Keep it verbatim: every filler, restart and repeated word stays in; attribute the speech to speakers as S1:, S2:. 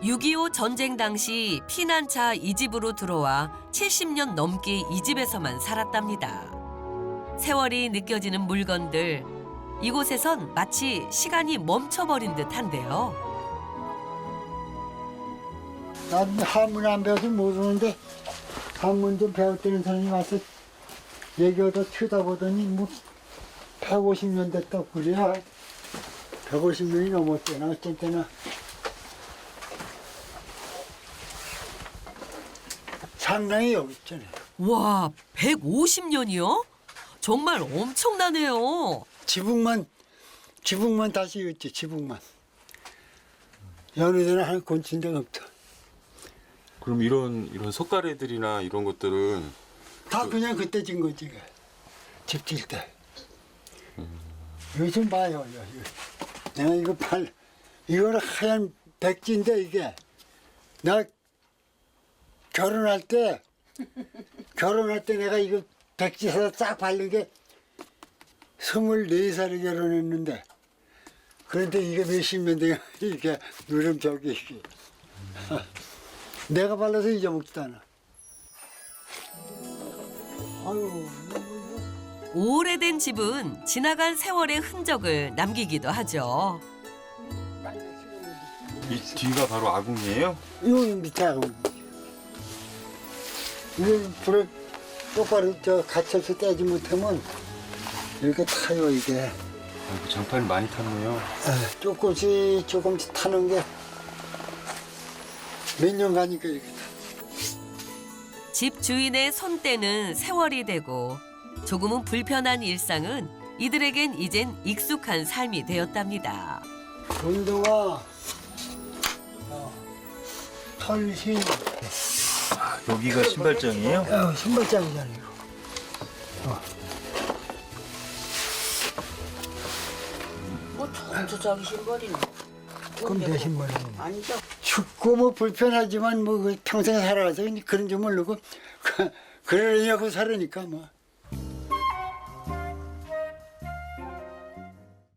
S1: 육이오 전쟁 당시 피난차 이 집으로 들어와 칠십 년 넘게 이 집에서만 살았답니다. 세월이 느껴지는 물건들, 이곳에선 마치 시간이 멈춰버린 듯한데요.
S2: 난 한문 안 배워서 모르는데 한문 좀 배웠다는 사람이 와서 얘기하다 쳐다보더니 뭐 백오십 년 됐다고 그래. 백오십 년이 넘었대나 어쩐 때나. 상당히 여기 있잖아요.
S1: 와, 백오십 년이요? 정말 엄청나네요.
S2: 지붕만 지붕만 다시 있지 지붕만. 여느 데는 한 곤친 데가 없다.
S3: 그럼 이런 이런 석가래들이나 이런 것들은
S2: 다 그냥 그때 진 거지. 집 질 때. 요즘 봐요. 요, 요. 내가 이거 팔, 이거는 하얀 백지인데 이게. 나 결혼할 때, 결혼할 때 내가 이거 백지 사서 싹 바른 게 스물네 살에 결혼했는데. 그런데 이게 몇십 년 돼요. 이게 누름 저기. 내가 발라서 잊어먹지도 않아. 아유.
S1: 오래된 집은 지나간 세월의 흔적을 남기기도 하죠.
S3: 이 뒤가 바로 아궁이에요?
S2: 이거 밑에 하고. 이거 불을 똑바로 저 갇혀서 떼지 못하면 이렇게 타요, 이게.
S3: 아이고, 장판이 많이 탔네요.
S2: 에, 조금씩 조금씩 타는 게 몇 년 가니까 이렇게 타.
S1: 집 주인의 손때는 세월이 되고 조금은 불편한 일상은 이들에겐 이젠 익숙한 삶이 되었답니다.
S2: 운동화, 어, 털신,
S4: 아, 여기가 신발장이에요?
S2: 어, 신발장이잖아, 이거. 어.
S5: 뭐 전부 자기 신발이네.
S2: 그럼 내 신발이야.
S5: 아니죠.
S2: 춥고 뭐 불편하지만 뭐 평생 살아가서 그런 줄 모르고 그러려고 살으니까 뭐.